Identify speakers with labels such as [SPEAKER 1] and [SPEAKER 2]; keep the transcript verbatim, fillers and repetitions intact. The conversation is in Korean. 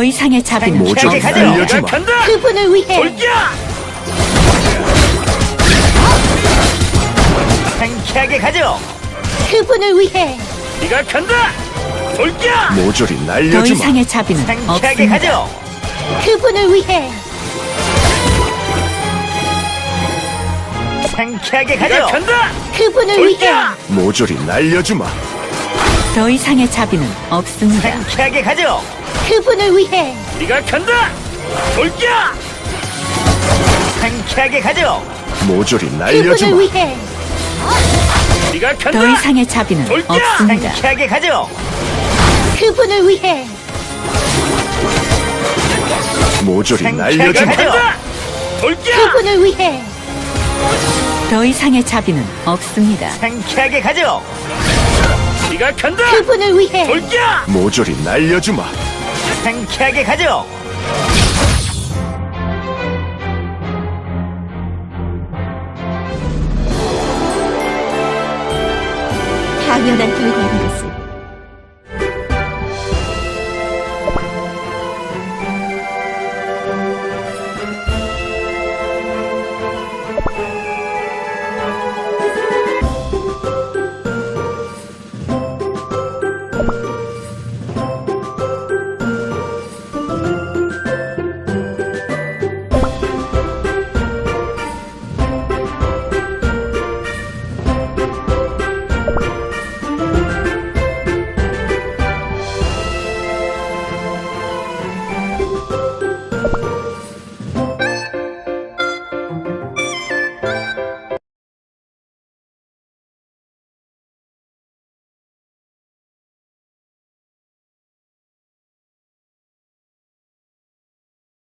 [SPEAKER 1] 이상의 자비는
[SPEAKER 2] 모조
[SPEAKER 3] 가죠.
[SPEAKER 2] 날려주마.
[SPEAKER 3] 간다.
[SPEAKER 1] 그분을 위해
[SPEAKER 3] 돌격! 상쾌하게 가죠.
[SPEAKER 1] 그분을 위해
[SPEAKER 3] 네가 간다. 돌격!
[SPEAKER 2] 모조리
[SPEAKER 1] 더
[SPEAKER 2] 날려주마.
[SPEAKER 1] 이상의 자비는
[SPEAKER 3] 상쾌하게
[SPEAKER 1] 없습니다.
[SPEAKER 3] 가죠.
[SPEAKER 1] 그분을 위해
[SPEAKER 3] 상쾌하게 가죠.
[SPEAKER 2] 네,
[SPEAKER 3] 간다.
[SPEAKER 1] 그분을 위해
[SPEAKER 3] 돌격!
[SPEAKER 2] 모조리 날려주마.
[SPEAKER 1] 더 이상의 자비는 없습니다.
[SPEAKER 3] 상쾌하게 가죠.
[SPEAKER 1] 그분을 위해
[SPEAKER 3] 네가 간다. 돌격! 상쾌하게 가죠.
[SPEAKER 2] 모조리
[SPEAKER 1] 그분을
[SPEAKER 2] 날려주마.
[SPEAKER 1] 위해
[SPEAKER 3] 네가 간다.
[SPEAKER 1] 더 이상의 자비는
[SPEAKER 3] 돌격!
[SPEAKER 1] 없습니다.
[SPEAKER 3] 상쾌하게 가죠.
[SPEAKER 1] 그분을 위해
[SPEAKER 2] 모조리
[SPEAKER 3] 상쾌하게
[SPEAKER 2] 날려주마.
[SPEAKER 3] 간다. 돌격!
[SPEAKER 1] 그분을 위해 더 이상의 자비는 없습니다.
[SPEAKER 3] 상쾌하게 가죠. 네가 간다.
[SPEAKER 1] 그분을 위해
[SPEAKER 3] 돌격!
[SPEAKER 2] 모조리 날려주마.
[SPEAKER 3] 상쾌하게 가죠.
[SPEAKER 1] 당연한 결과입니다.